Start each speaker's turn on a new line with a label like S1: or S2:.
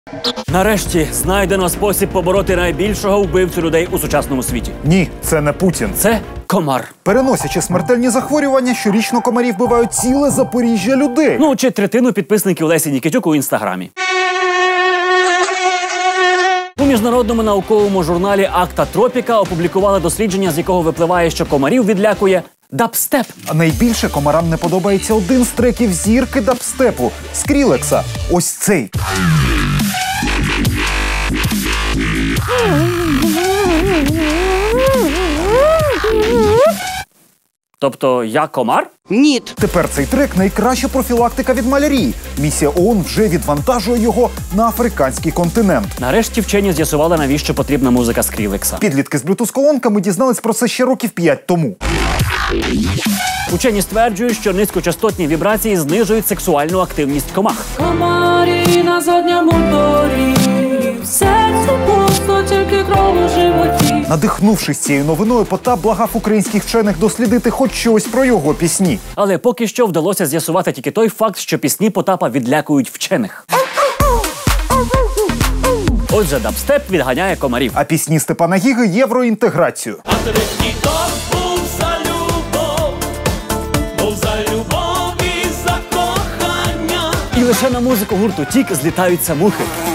S1: Нарешті знайдено спосіб побороти найбільшого вбивцю людей у сучасному світі.
S2: Ні, це не Путін.
S1: Це комар.
S2: Переносячи смертельні захворювання, щорічно комарі вбивають ціле Запоріжжя людей.
S1: Ну, чи третину підписників Лесі Нікітюк у Інстаграмі. У міжнародному науковому журналі «Акта Тропіка» опублікували дослідження, з якого випливає, що комарів відлякує дабстеп.
S2: А найбільше комарам не подобається один з треків зірки дабстепу – Скрілекса. Ось цей.
S1: Тобто я комар?
S3: Ні.
S2: Тепер цей трек – найкраща профілактика від малярії. Місія ООН вже відвантажує його на африканський континент.
S1: Нарешті вчені з'ясували, навіщо потрібна музика Скрілекса.
S2: Підлітки з Bluetooth-колонками дізнались про це ще років 5 тому.
S1: Учені стверджують, що низькочастотні вібрації знижують сексуальну активність комах.
S4: Комарі на задньому дворі, в серці пусто, тільки кров у животі.
S2: Надихнувшись цією новиною, Потап благав українських вчених дослідити хоч щось про його пісні.
S1: Але поки що вдалося з'ясувати тільки той факт, що пісні Потапа відлякують вчених. Отже, дабстеп відганяє комарів.
S2: А пісні Степана Гіги – євроінтеграцію.
S5: А третій топ був за любов і за кохання.
S1: І лише на музику гурту «Тік» злітаються мухи.